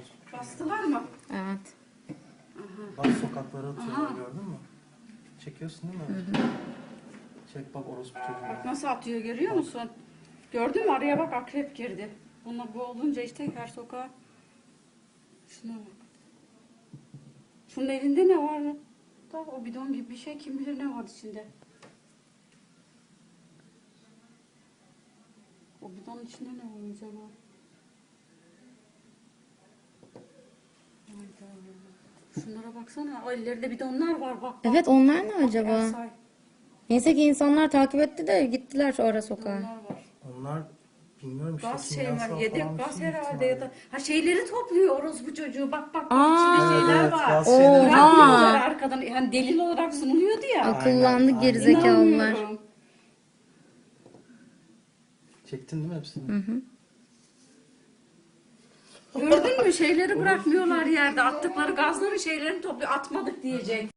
Bastılar mı? Evet. Bak sokaklara atıyorlar, gördün mü? Çekiyorsun değil mi? Çek bak orospu çocuğu. Bak nasıl atıyor, görüyor musun? Gördün mü? Araya bak, akrep girdi. Bu olunca işte her sokağa. Şuna bak. Şunun elinde ne var? Da o bidon gibi bir şey, kim bilir ne var içinde. O bidonun içinde ne var acaba? Hayda. Şunlara baksana. O ellerinde bidonlar var, bak. Evet, onlar ne acaba? Ersay, Neyse ki insanlar takip etti de gittiler ara sokağa. bidonlar var. Onlar bilmiyorum işte Gaz şey kimyasal var, yedek falan bir gaz şey büyük herhalde ya da. ihtimalle. Ha, şeyleri topluyor orospu çocuğu. Bak bak bak, Aa, içinde şeyler Evet, var. gaz şeyleri Oha. Bırakmıyorlar arkadan. Yani delil olarak sunuluyordu ya. Akıllandı Aynen. gerizekalılar. İnanmıyorum. Çektin değil mi hepsini? Gördün mü, şeyleri bırakmıyorlar yerde. Attıkları gazların şeylerini topluyor. Atmadık diyecek.